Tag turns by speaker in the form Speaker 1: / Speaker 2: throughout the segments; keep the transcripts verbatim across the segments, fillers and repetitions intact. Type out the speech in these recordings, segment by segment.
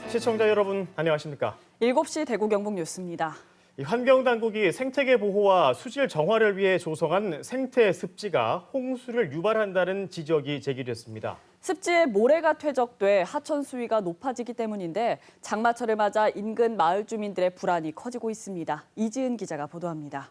Speaker 1: 시청자 여러분 안녕하십니까?
Speaker 2: 일곱 시 대구 경북 뉴스입니다.
Speaker 1: 이 환경당국이 생태계 보호와 수질 정화를 위해 조성한 생태 습지가 홍수를 유발한다는 지적이 제기됐습니다.
Speaker 2: 습지에 모래가 퇴적돼 하천 수위가 높아지기 때문인데 장마철을 맞아 인근 마을 주민들의 불안이 커지고 있습니다. 이지은 기자가 보도합니다.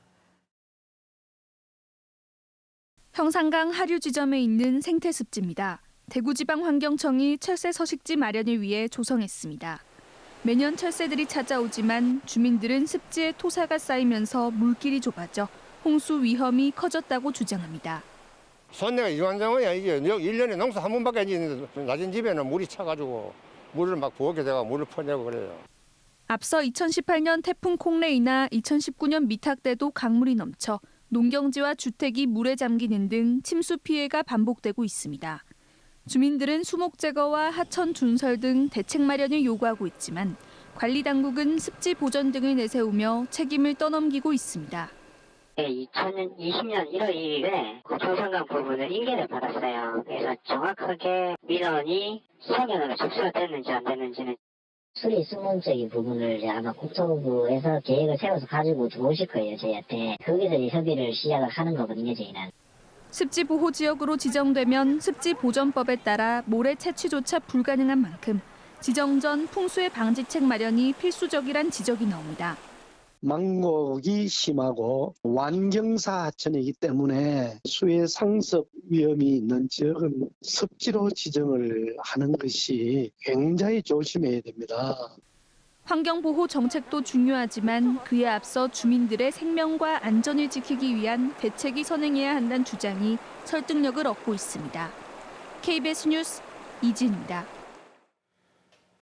Speaker 3: 형산강 하류 지점에 있는 생태 습지입니다. 대구지방환경청이 철새 서식지 마련을 위해 조성했습니다. 매년 철새들이 찾아오지만 주민들은 습지에 토사가 쌓이면서 물길이 좁아져 홍수 위험이 커졌다고 주장합니다.
Speaker 4: 손내가 이완장어야 이게 일 년에 농사 한 번밖에 안 짓는데 낮은 집에는 물이 차가지고 물을 막 부엌에 대가 물을 퍼내고 그래요.
Speaker 3: 앞서 이천십팔 년 태풍 콩레이나 이천십구 년 미탁 때도 강물이 넘쳐 농경지와 주택이 물에 잠기는 등 침수 피해가 반복되고 있습니다. 주민들은 수목 제거와 하천 준설 등 대책 마련을 요구하고 있지만 관리당국은 습지 보전 등을 내세우며 책임을 떠넘기고 있습니다.
Speaker 5: 이천이십 년 일월 일일에 조성강 부분을 인계를 받았어요. 그래서 정확하게 민원이 상연으로 접수가 됐는지 안 됐는지는
Speaker 6: 수리 수문적인 부분을 이제 아마 국토부에서 계획을 세워서 가지고 들어오실 거예요, 저희한테. 거기서 이제 협의를 시작을 하는 거거든요, 저희는.
Speaker 3: 습지 보호 지역으로 지정되면 습지 보전법에 따라 모래 채취조차 불가능한 만큼 지정 전 풍수의 방지책 마련이 필수적이란 지적이 나옵니다.
Speaker 7: 망곡이 심하고 완경사 하천이기 때문에 수해 상습 위험이 있는 지역은 습지로 지정을 하는 것이 굉장히 조심해야 됩니다.
Speaker 3: 환경보호 정책도 중요하지만 그에 앞서 주민들의 생명과 안전을 지키기 위한 대책이 선행해야 한다는 주장이 설득력을 얻고 있습니다. 케이비에스 뉴스 이진입니다.